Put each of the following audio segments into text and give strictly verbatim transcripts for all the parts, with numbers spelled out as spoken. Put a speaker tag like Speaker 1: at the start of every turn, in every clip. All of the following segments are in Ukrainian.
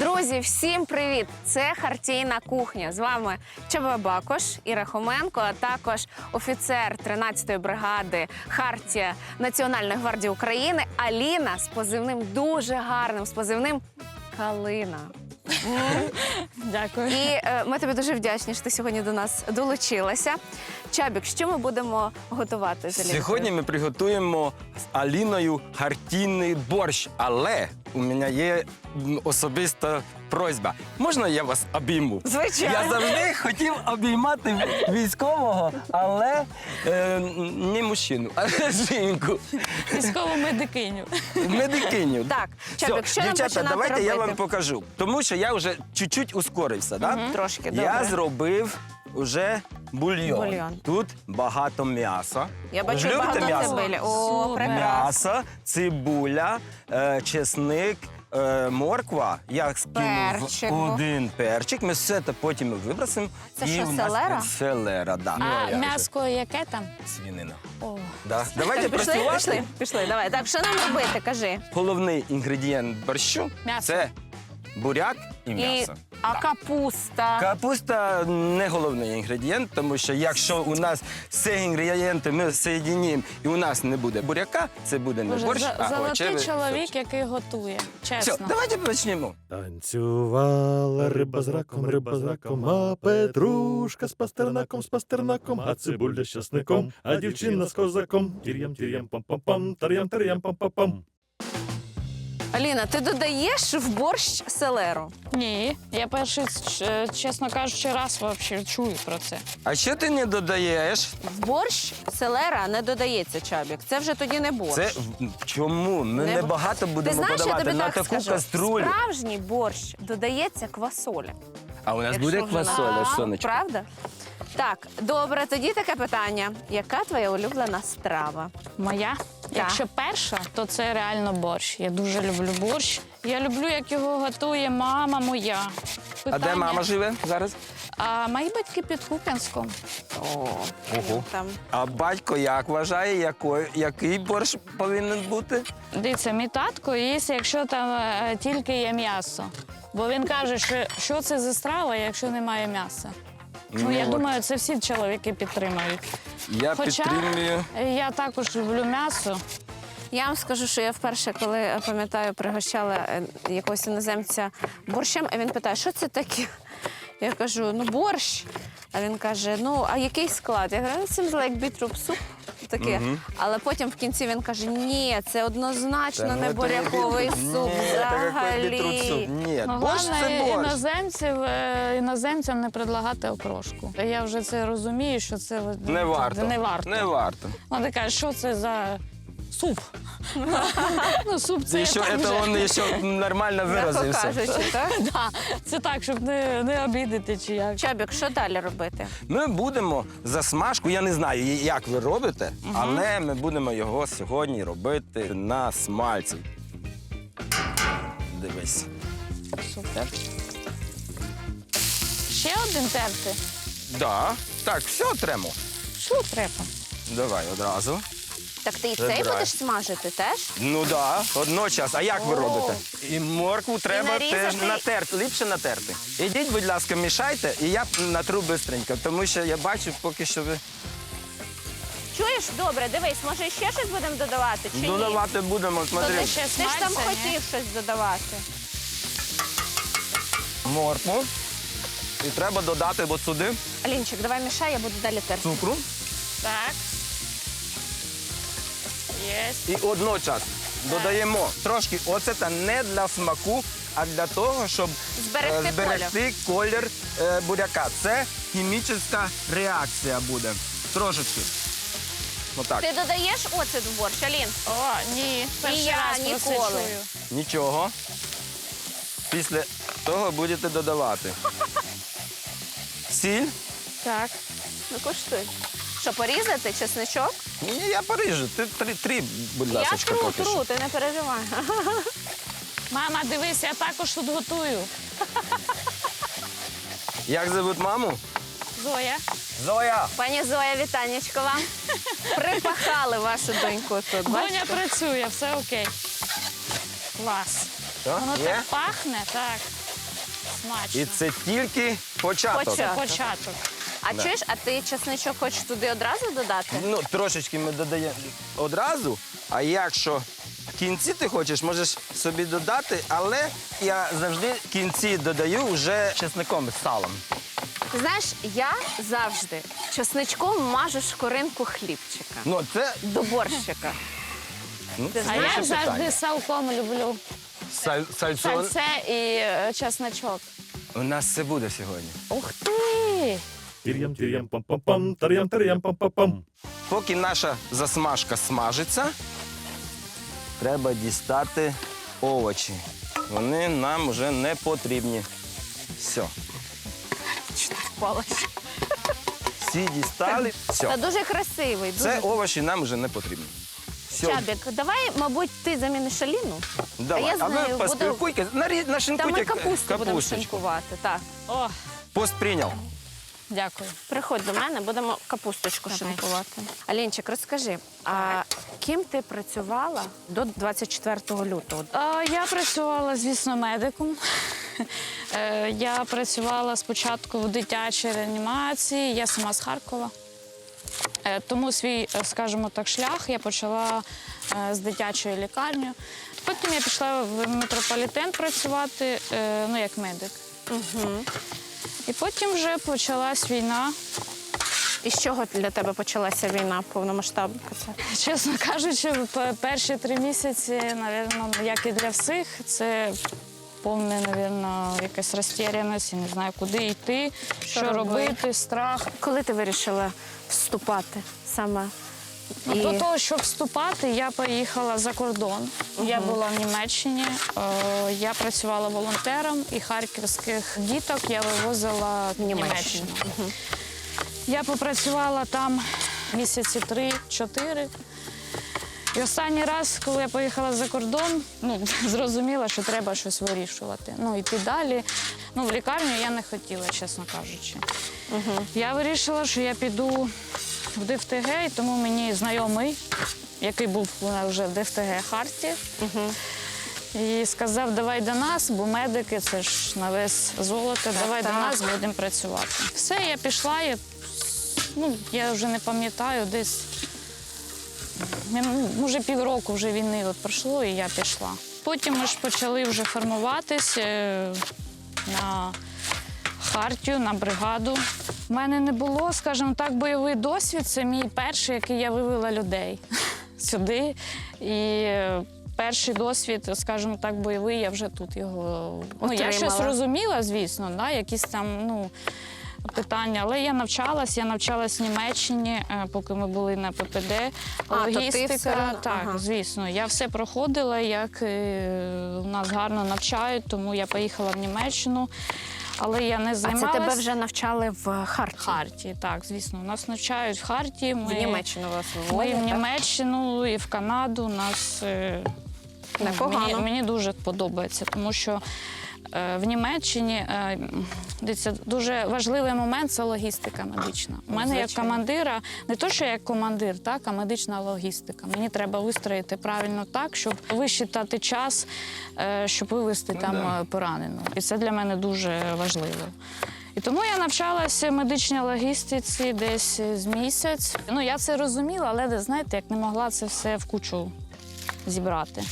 Speaker 1: Друзі, всім привіт! Це Хартійна кухня. З вами Чаба Бакош, Іра Хоменко, а також офіцер тринадцятої бригади Хартія Національної гвардії України Аліна з позивним дуже гарним, з позивним Калина.
Speaker 2: Дякую.
Speaker 1: І е, ми тобі дуже вдячні, що ти сьогодні до нас долучилася. Чабік, що ми будемо готувати з Аліною?
Speaker 3: Сьогодні ми приготуємо з Аліною хартійний борщ, але у мене є м, особиста просьба. Можна я вас обійму?
Speaker 1: Звичайно.
Speaker 3: Я завжди хотів обіймати військового, але е, не мужчину, а жінку.
Speaker 2: Військову медикиню.
Speaker 3: Медикиню.
Speaker 1: Так, Чабік, що нам
Speaker 3: дівчата,
Speaker 1: починати
Speaker 3: давайте
Speaker 1: робити?
Speaker 3: я вам покажу. Тому що я вже чуть-чуть ускорився, да?
Speaker 1: Трошки, добре.
Speaker 3: Я зробив уже бульйон.
Speaker 1: Бульйон.
Speaker 3: Тут багато м'яса.
Speaker 1: Я бачу
Speaker 3: Ви ж любите
Speaker 1: багато
Speaker 3: м'ясо?
Speaker 1: цибулі. О,
Speaker 2: Супер.
Speaker 1: прекрасно.
Speaker 3: М'ясо, цибуля, е, чесник, е, морква. Я скинув
Speaker 1: Перчик.
Speaker 3: один перчик. Ми все це потім вибросимо.
Speaker 1: Це
Speaker 3: і
Speaker 1: що,
Speaker 3: у нас
Speaker 1: селера?
Speaker 3: Селера, да. Ну,
Speaker 2: А
Speaker 3: я вже-
Speaker 2: м'яско яке там?
Speaker 3: Свинина.
Speaker 2: О,
Speaker 3: Да. Давайте
Speaker 1: Пішли,
Speaker 3: працювати.
Speaker 1: пішли, пішли, давай. Так, що нам робити, кажи.
Speaker 3: Головний інгредієнт борщу
Speaker 2: М'ясо.
Speaker 3: це буряк і
Speaker 1: І,
Speaker 3: м'ясо.
Speaker 1: а капуста?
Speaker 3: Капуста не головний інгредієнт, тому що якщо у нас всі інгредієнти ми соєдинимо і у нас не буде буряка, це буде не
Speaker 2: Боже,
Speaker 3: борщ,
Speaker 2: за-
Speaker 3: а
Speaker 2: золотий
Speaker 3: овочевий
Speaker 2: чоловік,
Speaker 3: суп.
Speaker 2: який готує.
Speaker 3: Все,
Speaker 2: Чесно.
Speaker 3: давайте почнемо.
Speaker 4: Танцювала риба з раком, риба з раком, а петрушка з пастернаком, з пастернаком, а цибуля з часником, а дівчина з козаком. Тір'ям, тір'ям, пам-пам-пам, тар'ям, тар'ям, пам-пам-пам.
Speaker 1: Аліна, ти додаєш в борщ селеру?
Speaker 2: Ні, я перший, ч- чесно кажучи, раз вообще чую про це.
Speaker 3: А що ти не додаєш?
Speaker 1: В борщ селера не додається, Чабік. Це вже тоді не борщ.
Speaker 3: Це в- чому? Ми
Speaker 1: Не-
Speaker 3: небагато
Speaker 1: Ти
Speaker 3: будемо
Speaker 1: знаєш, я
Speaker 3: подавати
Speaker 1: тобі
Speaker 3: на
Speaker 1: так
Speaker 3: таку
Speaker 1: скажу.
Speaker 3: каструлю.
Speaker 1: Справжній борщ додається квасоля.
Speaker 3: А у нас
Speaker 1: Якщо
Speaker 3: буде
Speaker 1: вже
Speaker 3: квасоля,
Speaker 1: на-
Speaker 3: сонечко?
Speaker 1: Правда? Так, добре, тоді таке питання. Яка твоя улюблена страва?
Speaker 2: Моя? Якщо перша, то це реально борщ. Я дуже люблю борщ. Я люблю, як його готує мама моя.
Speaker 3: А де
Speaker 2: Питання-
Speaker 3: мама живе зараз?
Speaker 2: А мої батьки під Куп'янськом.
Speaker 1: О,
Speaker 3: Ого.
Speaker 1: там.
Speaker 3: А батько як вважає, який, який борщ повинен бути?
Speaker 2: Дивіться, мій татко їсть, якщо там е, тільки є м'ясо. Бо він каже, що, що це за страва, якщо немає м'яса. Ну, я
Speaker 3: от
Speaker 2: думаю, це всі чоловіки підтримають.
Speaker 3: Я
Speaker 2: Хоча
Speaker 3: підтримую.
Speaker 2: я також люблю м'ясо.
Speaker 1: Я вам скажу, що я вперше, коли е, пам'ятаю, пригощала е, якогось іноземця борщем, а він питає, що це таке? Я кажу, ну борщ. А він каже, ну а який склад? Я кажу, «It seems like beetroot soup». Таке. Але потім в кінці він каже, ні, це однозначно
Speaker 3: Та,
Speaker 1: не
Speaker 3: ну,
Speaker 1: буряковий
Speaker 3: це-
Speaker 1: суп
Speaker 3: Ні, це який бітрут суп.
Speaker 1: взагалі.
Speaker 3: Ні,
Speaker 2: Ну,
Speaker 3: борщ
Speaker 2: головне
Speaker 3: це борщ.
Speaker 2: іноземців, е, іноземцям не предлагати окрошку. Я вже це розумію, що це
Speaker 3: Не варто.
Speaker 2: Не варто.
Speaker 3: Не варто.
Speaker 2: Вона каже, що це за суп? Ну, суп це
Speaker 3: І
Speaker 2: я
Speaker 3: що
Speaker 2: так
Speaker 3: це
Speaker 2: вже-
Speaker 3: він ще нормально
Speaker 1: М'яко
Speaker 3: виразився.
Speaker 1: кажучи, так?
Speaker 2: Да, це так, щоб не, не обідати чи як.
Speaker 1: Чабік, що далі робити?
Speaker 3: Ми будемо засмажку, я не знаю, як ви робите, але ми будемо його сьогодні робити на смальці. Дивись.
Speaker 2: Супер. Ще один терти.
Speaker 3: Да. Так, все тремо.
Speaker 2: Що треба?
Speaker 3: Давай одразу.
Speaker 1: Так ти і цей
Speaker 3: Забирай.
Speaker 1: будеш смажити теж?
Speaker 3: Ну да, одночас. А як ви
Speaker 1: О.
Speaker 3: робите? І моркву треба
Speaker 1: нарізати.
Speaker 3: теж натерти, ліпше натерти. Ідіть, будь ласка, мішайте, і я натру швидко, тому що я бачу поки що ви
Speaker 1: Чуєш? Добре, дивись, може ще щось будемо додавати чи ні?
Speaker 3: додавати будемо. Смотри,
Speaker 2: Туди ще
Speaker 1: Ти ж там
Speaker 2: смальця, ні?
Speaker 1: хотів щось додавати.
Speaker 3: моркву. І треба додати от сюди
Speaker 1: Алінчик, давай мішай, я буду далі терти.
Speaker 3: цукру.
Speaker 2: Так. Єсть.
Speaker 3: І одночас додаємо трошки оцета не для смаку, а для того, щоб
Speaker 1: Зберегти
Speaker 3: е, зберегти колір е, буряка. Це хімічна реакція буде. Трошечки. Отак.
Speaker 1: Ти додаєш оцет в борщ, Алін?
Speaker 2: О, ні. Перший
Speaker 1: я
Speaker 2: раз про це
Speaker 1: ніколи.
Speaker 2: чую.
Speaker 3: Нічого. Після того будете додавати. Сіль.
Speaker 2: Так.
Speaker 1: Ну, коштуй. Що, порізати чесничок?
Speaker 3: Ні, я поріжу. Ти три, три будь
Speaker 1: Я
Speaker 3: ласка,
Speaker 1: тру,
Speaker 3: поки що.
Speaker 1: тру, ти не переживай.
Speaker 2: Мама, дивись, я також тут готую.
Speaker 3: Як зовуть маму?
Speaker 2: Зоя.
Speaker 3: Зоя.
Speaker 1: Пані Зоя, вітанечко вам. Припахали вашу доньку тут,
Speaker 2: Доня
Speaker 1: бачите?
Speaker 2: працює, все окей. Клас.
Speaker 3: Що?
Speaker 2: Воно
Speaker 3: Є?
Speaker 2: так пахне, так. Смачно.
Speaker 3: І це тільки початок.
Speaker 1: Початок.
Speaker 2: Це початок.
Speaker 1: А
Speaker 3: Да.
Speaker 1: чуєш, а ти чесничок хочеш туди одразу додати?
Speaker 3: Ну, трошечки ми додаємо одразу, а якщо в кінці ти хочеш, можеш собі додати, але я завжди в кінці додаю вже чесником з салом.
Speaker 1: Ти знаєш, я завжди чесничком мажу шкоринку хлібчика
Speaker 3: Ну, це
Speaker 1: до борщика.
Speaker 3: ну,
Speaker 1: Ти
Speaker 2: А
Speaker 1: знаєш,
Speaker 2: я
Speaker 3: це
Speaker 2: завжди
Speaker 3: питання.
Speaker 2: салком люблю.
Speaker 3: Саль, сальцон.
Speaker 2: Сальце і е, чесночок.
Speaker 3: У нас це буде сьогодні.
Speaker 2: Ух ти!
Speaker 4: Тир'ям, тир'ям, пам-пам-пам, тар'ям, тар'ям, пам-пам-пам.
Speaker 3: Поки наша засмажка смажиться, треба дістати овочі. Вони нам вже не потрібні. Все.
Speaker 1: впала.
Speaker 3: Всі дістали.
Speaker 1: Та
Speaker 3: Все.
Speaker 1: дуже красивий. Дуже.
Speaker 3: Це овочі нам вже не потрібні. Все.
Speaker 1: Чабік, давай, мабуть, ти заміниш Аліну.
Speaker 3: Давай.
Speaker 1: А я з
Speaker 3: а ви
Speaker 1: нею буду-
Speaker 3: поспілкуйте, нарі-
Speaker 1: Та
Speaker 3: нашинкуйте
Speaker 1: ми капусту будемо
Speaker 3: капусточку.
Speaker 1: шинкувати. Так.
Speaker 2: О,
Speaker 3: Пост прийняв.
Speaker 2: дякую.
Speaker 1: Приходь до мене, будемо капусточку
Speaker 2: Давай.
Speaker 1: шинкувати. Алінчик, розкажи, а ким ти працювала до двадцять четвертого лютого?
Speaker 2: А, я працювала, звісно, медиком. Е, Я працювала спочатку в дитячій реанімації, я сама з Харкова. Е, Тому свій, е, скажімо так, шлях я почала е, з дитячої лікарні. Потім я пішла в метрополітен працювати, е, ну, як медик.
Speaker 1: Угу.
Speaker 2: І потім вже почалась війна.
Speaker 1: І з чого для тебе почалася війна повномасштабна?
Speaker 2: Чесно кажучи, п- перші три місяці, напевно, як і для всіх, це повне, напевно, якась розтіряність, я не знаю, куди йти, що,
Speaker 1: робити?
Speaker 2: робити, страх.
Speaker 1: Коли ти вирішила вступати саме?
Speaker 2: Ну,
Speaker 1: І-
Speaker 2: До того, щоб вступати, я поїхала за кордон. Я була в Німеччині, е, я працювала волонтером і харківських діток я вивозила в
Speaker 1: Німеччину.
Speaker 2: Німеччину. Я попрацювала там місяці три-чотири. І останній раз, коли я поїхала за кордон, ну, зрозуміла, що треба щось вирішувати. Ну, йти далі. Ну, в лікарню я не хотіла, чесно кажучи. Я вирішила, що я піду в ДФТГ, і тому мені знайомий, який був у нас вже в ДФТГ Харті, і сказав, давай до нас, бо медики, це ж на вес золото, давай
Speaker 1: так.
Speaker 2: до нас, будемо працювати. Все, я пішла, я, ну, я вже не пам'ятаю, десь, я, ну, може півроку вже війни от пройшло, і я пішла. Потім ми ж почали вже формуватись е, на Хартію, на бригаду. У мене не було, скажімо так, бойовий досвід. Це мій перший, який я вивела людей сюди. І е, перший досвід, скажімо так, бойовий, я вже тут його. Ну, я щось
Speaker 1: Отримала.
Speaker 2: розуміла, звісно, да, якісь там, ну, питання. Але я навчалась, я навчалась в Німеччині, е, поки ми були на ППД.
Speaker 1: А, то ти
Speaker 2: Логістика,
Speaker 1: все-
Speaker 2: так,
Speaker 1: ага.
Speaker 2: звісно. Я все проходила, як е, у нас гарно навчають, тому я поїхала в Німеччину. Але я не
Speaker 1: А
Speaker 2: займалась.
Speaker 1: це тебе вже навчали в Харті?
Speaker 2: Харті, так, звісно. Нас навчають в Харті. Ми,
Speaker 1: В Німеччину вас
Speaker 2: Ми
Speaker 1: виводять,
Speaker 2: в
Speaker 1: так?
Speaker 2: Німеччину і в Канаду. Нас е, ну,
Speaker 1: Непогано.
Speaker 2: мені, мені дуже подобається, тому що е, в Німеччині е, дивіться, дуже важливий момент це логістика медична. У мене як
Speaker 1: Звичайно.
Speaker 2: командира, не то, що як командир, так, а медична логістика. Мені треба вистроїти правильно так, щоб висчитати час, е, щоб вивезти там
Speaker 3: да.
Speaker 2: е, пораненого. І це для мене дуже важливо. І тому я навчалася медичній логістиці десь з місяць. Ну, я це розуміла, але, знаєте, як не могла це все в кучу зібрати.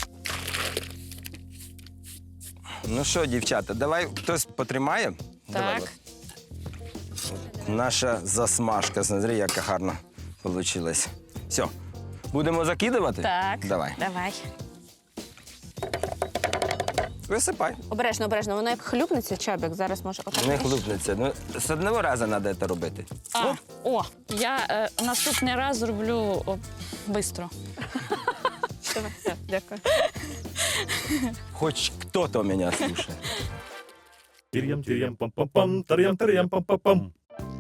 Speaker 3: Ну що, дівчата, давай хтось потримає. Давай,
Speaker 2: Так.
Speaker 3: от. Наша засмажка, смотри, яка гарна вийшла. Все, будемо закидувати?
Speaker 2: Так.
Speaker 3: Давай.
Speaker 2: Давай.
Speaker 3: Висипай.
Speaker 1: Обережно, обережно. Воно як хлюпнеться, Чабік, зараз може отак.
Speaker 3: Не хлопнеться. Ну, з одного разу треба це робити.
Speaker 2: А,
Speaker 3: Оп.
Speaker 2: о, я е, наступний раз зроблю швидко.
Speaker 1: Давай, все, дякую.
Speaker 3: Хоч хто-то мене слухає.
Speaker 4: Тир'ям, тир'ям, пам-пам-пам, тар'ям, тар'ям, пам-пам-пам.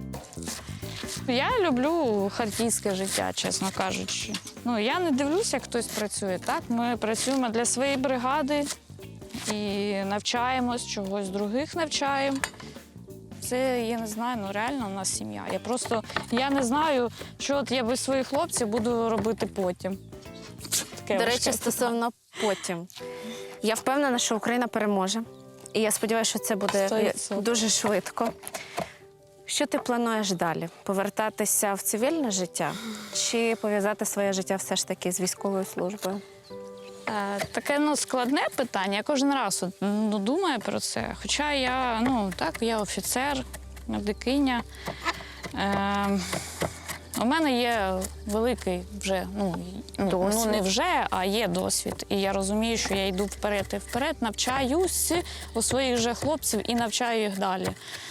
Speaker 2: Я люблю хартійське життя, чесно кажучи. Ну, я не дивлюся, як хтось працює. Так, ми працюємо для своєї бригади і навчаємось, чогось других навчаємо. Це, я не знаю, ну реально у нас сім'я. Я просто я не знаю, що от я без своїх хлопців буду робити потім. Таке
Speaker 1: До
Speaker 2: важке
Speaker 1: речі, стосовно потім. Я впевнена, що Україна переможе. І я сподіваюся, що це буде
Speaker 2: Сто відсотків.
Speaker 1: дуже швидко. Що ти плануєш далі? Повертатися в цивільне життя чи пов'язати своє життя все ж таки з військовою службою?
Speaker 2: Е, Таке ну, складне питання. Я кожен раз от, ну, думаю про це. Хоча я, ну, так, я офіцер, медикиня. Е, у мене є великий вже, ну, ну,
Speaker 1: Досвід.
Speaker 2: ну не вже, а є досвід. І я розумію, що я йду вперед і вперед, навчаюсь у своїх же хлопців і навчаю їх далі.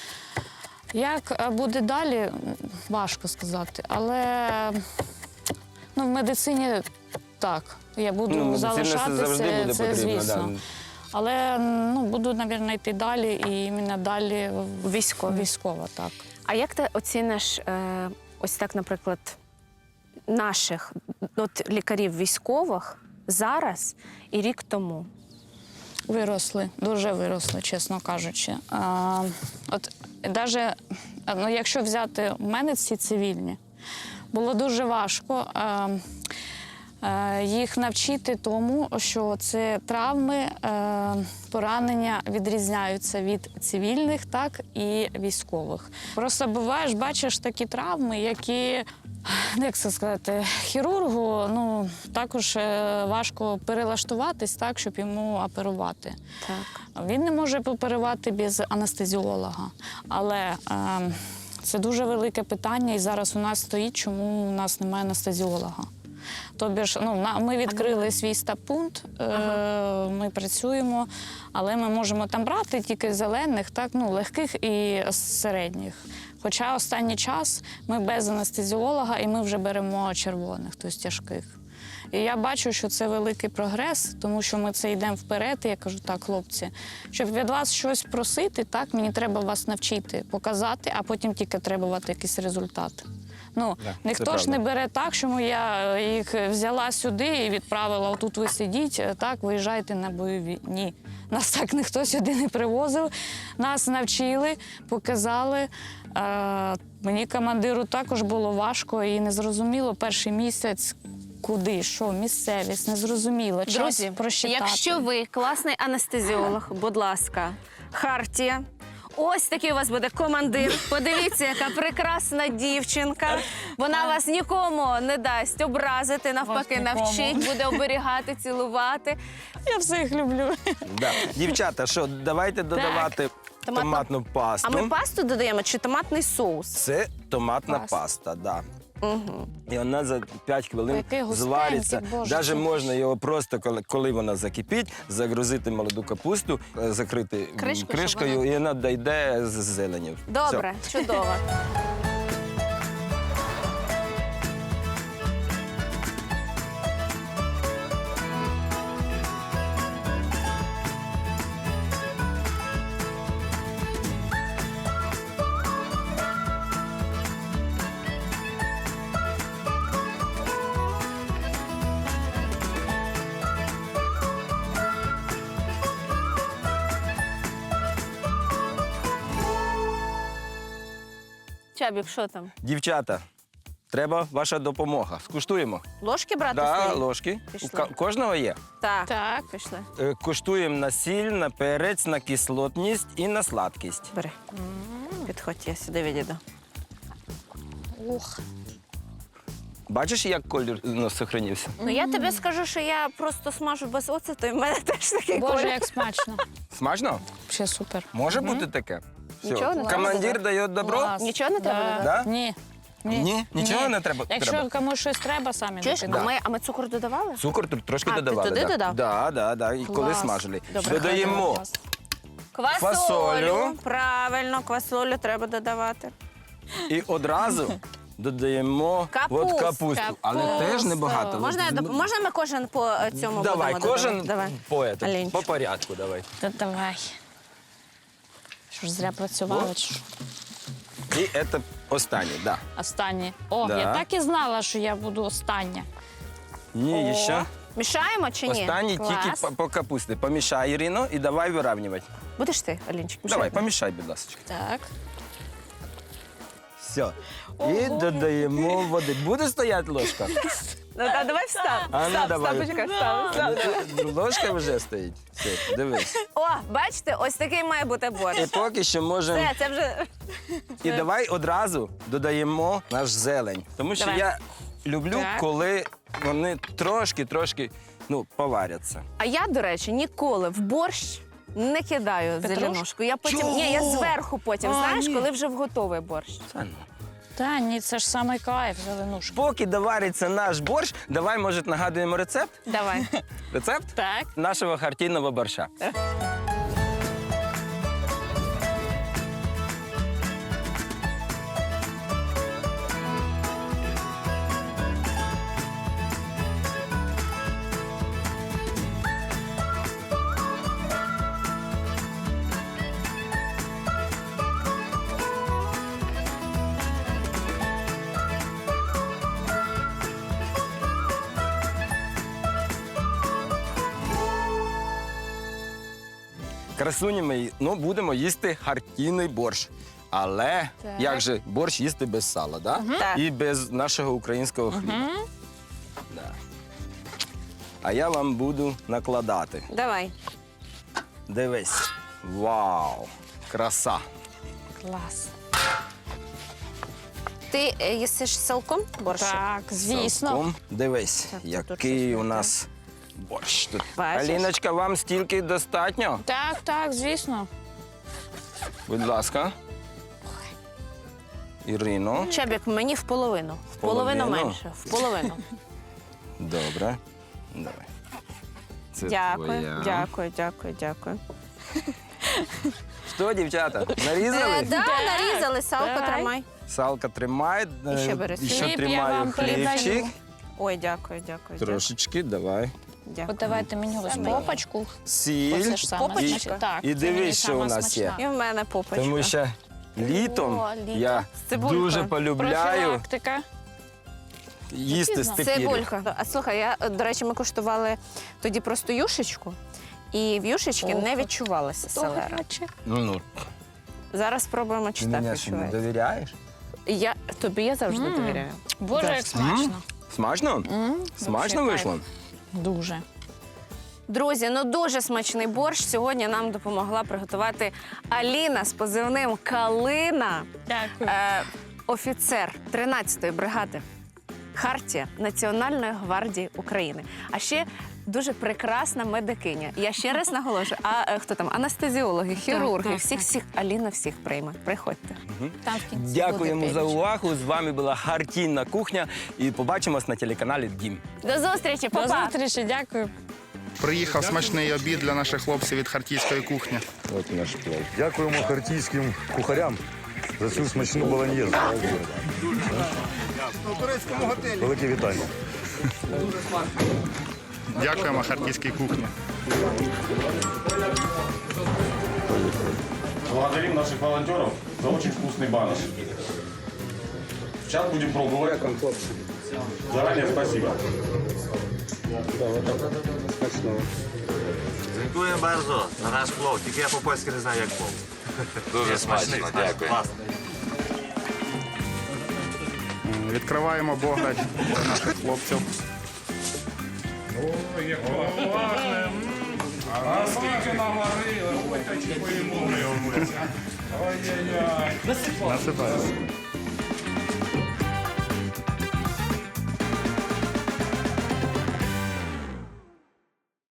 Speaker 2: Як буде далі, важко сказати. Але ну, в медицині так. Я буду
Speaker 3: Ну, медицина
Speaker 2: залишатися,
Speaker 3: завжди буде
Speaker 2: це
Speaker 3: потрібна,
Speaker 2: звісно.
Speaker 3: да.
Speaker 2: Але ну, буду, мабуть, йти далі і іменно далі
Speaker 1: Військові.
Speaker 2: військова, так.
Speaker 1: А як ти оціниш е, ось так, наприклад, наших от, лікарів військових зараз і рік тому?
Speaker 2: Виросли, дуже виросли, чесно кажучи. А, от навіть, ну, якщо взяти в мене ці цивільні, було дуже важко а, а, їх навчити тому, що це травми, а, поранення відрізняються від цивільних, так і військових. Просто буваєш, бачиш такі травми, які, як це сказати, хірургу ну, також е, важко перелаштуватись так, щоб йому оперувати.
Speaker 1: Так.
Speaker 2: Він не може оперувати без анестезіолога. Але е, це дуже велике питання, і зараз у нас стоїть, чому у нас немає анестезіолога. Тобі ж, ну, на- ми відкрили свій стаб-пункт, е, ми працюємо, але ми можемо там брати тільки зелених, так, ну, легких і середніх. Хоча останній час ми без анестезіолога і ми вже беремо червоних, тобто тяжких. І я бачу, що це великий прогрес, тому що ми це йдемо вперед. І я кажу, так, хлопці, щоб від вас щось просити, так, мені треба вас навчити, показати, а потім тільки требувати якийсь результат. Ну,
Speaker 3: Да,
Speaker 2: ніхто
Speaker 3: це
Speaker 2: ж не
Speaker 3: правда.
Speaker 2: бере так, що я їх взяла сюди і відправила, отут ви сидіть, так, виїжджайте на бойові. Ні. Нас так ніхто сюди не привозив. Нас навчили, показали. Е, мені командиру також було важко і незрозуміло перший місяць, куди, що, місцевість, незрозуміло. Час
Speaker 1: Друзі,
Speaker 2: просчитати.
Speaker 1: якщо ви класний анестезіолог, будь ласка, хартія. Ось такий у вас буде командир. Подивіться, яка прекрасна дівчинка. Вона вас нікому не дасть образити, навпаки,
Speaker 2: нікому.
Speaker 1: навчить, буде оберігати, цілувати.
Speaker 2: Я всіх люблю.
Speaker 3: Да. Дівчата, що, давайте додавати
Speaker 1: Томатну-
Speaker 3: томатну пасту.
Speaker 1: А ми пасту додаємо чи томатний соус?
Speaker 3: Це томатна
Speaker 2: Паста.
Speaker 3: паста, да.
Speaker 1: Угу.
Speaker 3: І вона за п'ять хвилин
Speaker 2: Який густенький,
Speaker 3: звариться.
Speaker 2: Боже,
Speaker 3: Навіть
Speaker 2: це-
Speaker 3: можна його просто, коли, коли вона закипить, загрузити молоду капусту, е, закрити м,
Speaker 1: Кришку, щоб
Speaker 3: кришкою,
Speaker 1: вона-
Speaker 3: і вона дійде з зеленю.
Speaker 1: Добре, чудово. Чабік, що там?
Speaker 3: Дівчата, треба ваша допомога. Скуштуємо.
Speaker 1: Ложки брати
Speaker 3: Да,
Speaker 1: свої?
Speaker 3: ложки. У
Speaker 1: Пішли.
Speaker 3: ка- кожного є.
Speaker 1: Так.
Speaker 2: Так.
Speaker 1: Пішли.
Speaker 3: Е, Куштуємо на сіль, на перець, на кислотність і на сладкість.
Speaker 1: Бери. Підходь, я сюди відійду.
Speaker 2: Ух.
Speaker 3: Бачиш, як колір ну, сохранився?
Speaker 1: Ну я тобі скажу, що я просто смажу без оцету, і в мене теж такий
Speaker 2: Боже,
Speaker 1: колір.
Speaker 2: як смачно.
Speaker 3: Смачно?
Speaker 2: Ще супер.
Speaker 3: Може бути таке? Все.
Speaker 1: Нічого не треба
Speaker 3: Командир
Speaker 1: додати?
Speaker 3: дає добро?
Speaker 2: Клас.
Speaker 1: Нічого не треба додати?
Speaker 3: Да?
Speaker 2: Ні.
Speaker 3: Ні? Нічого не треба?
Speaker 2: Якщо
Speaker 3: Треба.
Speaker 2: комусь щось треба, самі
Speaker 1: Чуєш, а
Speaker 2: докидають.
Speaker 1: ми, а ми цукор додавали?
Speaker 3: Цукор тут трошки
Speaker 1: А, ти
Speaker 3: додавали.
Speaker 1: туди
Speaker 3: да.
Speaker 1: додав?
Speaker 3: Да, да, да. І коли
Speaker 2: Клас.
Speaker 3: смажили.
Speaker 1: Добре.
Speaker 3: Додаємо
Speaker 1: Квасолю.
Speaker 3: Фасолю.
Speaker 1: Правильно, квасолю треба додавати.
Speaker 3: і одразу додаємо
Speaker 1: Капусту.
Speaker 3: от капусту. Але
Speaker 2: Капусту.
Speaker 3: теж небагато.
Speaker 1: Можна, я доп- можна ми кожен по е, цьому
Speaker 3: Давай,
Speaker 1: будемо
Speaker 3: кожен
Speaker 1: додавати? Давай.
Speaker 3: по, ету,
Speaker 1: Алінчик.
Speaker 3: по порядку давай.
Speaker 2: Та давай. Що ж зря працювала? чи що?
Speaker 3: І це останнє, да.
Speaker 2: Останнє. О,
Speaker 3: Да.
Speaker 2: я так і знала, що я буду остання.
Speaker 3: Ні,
Speaker 1: О.
Speaker 3: ще.
Speaker 1: Мішаємо чи ні?
Speaker 3: Останній
Speaker 1: Клас.
Speaker 3: тільки по, по капусті. Помішай, Ірино, і давай вирівнювати.
Speaker 1: Будеш ти, Алінчик?
Speaker 3: Давай,
Speaker 1: мішати?
Speaker 3: помішай, будь ласка.
Speaker 2: Так.
Speaker 3: Все. І додаємо води. Буде стояти ложка?
Speaker 1: Ну, та давай встав.
Speaker 3: А ну,
Speaker 1: Встав,
Speaker 3: давай.
Speaker 1: встав, почекай, встав, встав.
Speaker 3: Ну, Ложка вже стоїть. Все, дивись.
Speaker 1: О, бачите, ось такий має бути борщ.
Speaker 3: І поки що можемо.
Speaker 1: Все, це вже...
Speaker 3: І давай одразу додаємо наш зелень. Тому що
Speaker 1: Давай.
Speaker 3: я люблю,
Speaker 2: Так.
Speaker 3: коли вони трошки-трошки ну, поваряться.
Speaker 1: А я, до речі, ніколи в борщ не кидаю
Speaker 2: Петрушку?
Speaker 1: зеленушку. Я потім,
Speaker 3: Чого?
Speaker 1: ні, я зверху потім,
Speaker 3: А,
Speaker 1: знаєш,
Speaker 3: ні.
Speaker 1: коли вже в готовий борщ.
Speaker 3: Та ну.
Speaker 2: Та ні, це ж саме кайф, зеленушка.
Speaker 3: Поки довариться наш борщ, давай, може, нагадуємо рецепт?
Speaker 1: Давай.
Speaker 3: Рецепт
Speaker 2: Так.
Speaker 3: нашого хартійного борща. Красуні мої, ну будемо їсти хартійний борщ. Але
Speaker 1: Так.
Speaker 3: як же борщ їсти без сала, да?
Speaker 1: Так.
Speaker 3: І без нашого українського хліба. Да. А я вам буду накладати.
Speaker 1: Давай.
Speaker 3: Дивись. Вау! Краса!
Speaker 2: Клас.
Speaker 1: Ти е, їсиш з салком борщ?
Speaker 2: Так, звісно.
Speaker 3: Цілком. Дивись,
Speaker 1: Так, тут
Speaker 3: який
Speaker 1: щось
Speaker 3: у
Speaker 1: не
Speaker 3: нас борщ тут.
Speaker 1: Бачиш?
Speaker 3: Аліночка, вам стільки достатньо?
Speaker 2: Так, так, звісно.
Speaker 3: Будь ласка. Ірино.
Speaker 1: Чебік, мені в половину. В половину
Speaker 3: половину?
Speaker 1: менше. В половину.
Speaker 3: Добре. Давай. Це
Speaker 1: Дякую,
Speaker 3: твоя.
Speaker 1: дякую, дякую, дякую.
Speaker 3: Що, дівчата, нарізали?
Speaker 1: Е, да, нарізали, салко
Speaker 2: Давай.
Speaker 1: тримай.
Speaker 3: Салка тримає.
Speaker 1: І ще
Speaker 3: е,
Speaker 1: бери
Speaker 3: і ще
Speaker 2: хліб, я
Speaker 3: тримаю
Speaker 2: вам
Speaker 3: хлібчик.
Speaker 2: передаю.
Speaker 1: Ой, дякую, дякую.
Speaker 3: Трошечки, давай.
Speaker 1: Дякую.
Speaker 2: От давайте мені ось
Speaker 1: Саме.
Speaker 2: попочку.
Speaker 3: Сіль.
Speaker 2: Оце ж саме
Speaker 1: Попочка.
Speaker 2: смачне. Так,
Speaker 3: І
Speaker 2: це мені
Speaker 3: дивись, що
Speaker 2: сама
Speaker 3: у нас є.
Speaker 2: смачна.
Speaker 1: І в мене попочка.
Speaker 3: Тому що літом
Speaker 1: О, літо.
Speaker 3: я
Speaker 1: З цибулькою.
Speaker 3: дуже полюбляю
Speaker 2: Профілактика.
Speaker 3: їсти
Speaker 2: Пізно.
Speaker 3: степірю.
Speaker 1: Цибулька. А слухай, я, е, до речі, ми куштували тоді просто юшечку, і в юшечці
Speaker 2: Ох.
Speaker 1: не відчувалася селера.
Speaker 2: Добряче.
Speaker 3: Ну, ну,
Speaker 1: Зараз спробуємо, чи
Speaker 3: ти
Speaker 1: так
Speaker 3: мені що, не
Speaker 1: відчувається.
Speaker 3: довіряєш?
Speaker 1: Я, тобі я завжди
Speaker 2: М.
Speaker 1: довіряю.
Speaker 2: Боже, як
Speaker 1: Завжди.
Speaker 2: смачно.
Speaker 3: Смачно?
Speaker 2: М,
Speaker 3: Смачно
Speaker 2: вообще
Speaker 3: вийшло?
Speaker 2: кайф. Дуже.
Speaker 1: Друзі, ну дуже смачний борщ. Сьогодні нам допомогла приготувати Аліна з позивним Калина,
Speaker 2: Дякую.
Speaker 1: е, офіцер тринадцятої бригади Хартія Національної гвардії України. А ще дуже прекрасна медикиня. Я ще раз наголошую, а е, хто там? Анестезіологи, хірурги,
Speaker 2: так,
Speaker 1: всіх,
Speaker 2: так.
Speaker 1: всіх. Аліна всіх прийме. Приходьте.
Speaker 2: Там в кінці
Speaker 3: Дякуємо
Speaker 2: буде
Speaker 3: за
Speaker 2: пиріжок.
Speaker 3: увагу. З вами була Хартійна кухня. І побачимось на телеканалі Дім.
Speaker 1: До зустрічі,
Speaker 2: До
Speaker 1: па-па!
Speaker 2: зустрічі, дякую.
Speaker 5: Приїхав смачний обід для наших хлопців від хартійської кухні.
Speaker 3: От наш плов.
Speaker 6: Дякуємо хартійським кухарям за цю смачну болоньєзу. Велике вітання.
Speaker 5: Дякуємо хартійській кухні.
Speaker 7: Благодарим наших волонтеров за очень вкусный баныш. Сейчас будем пробовать. Заранее спасибо.
Speaker 8: Dziękuję bardzo za nasz vlog, tylko ja po polsku nie знаю, jak vlog. Дуже смачно, дякую.
Speaker 5: Відкриваємо бограч для наших хлопців.
Speaker 7: А скільки наварили, ой, та чи поїмо.
Speaker 5: Насипаємо.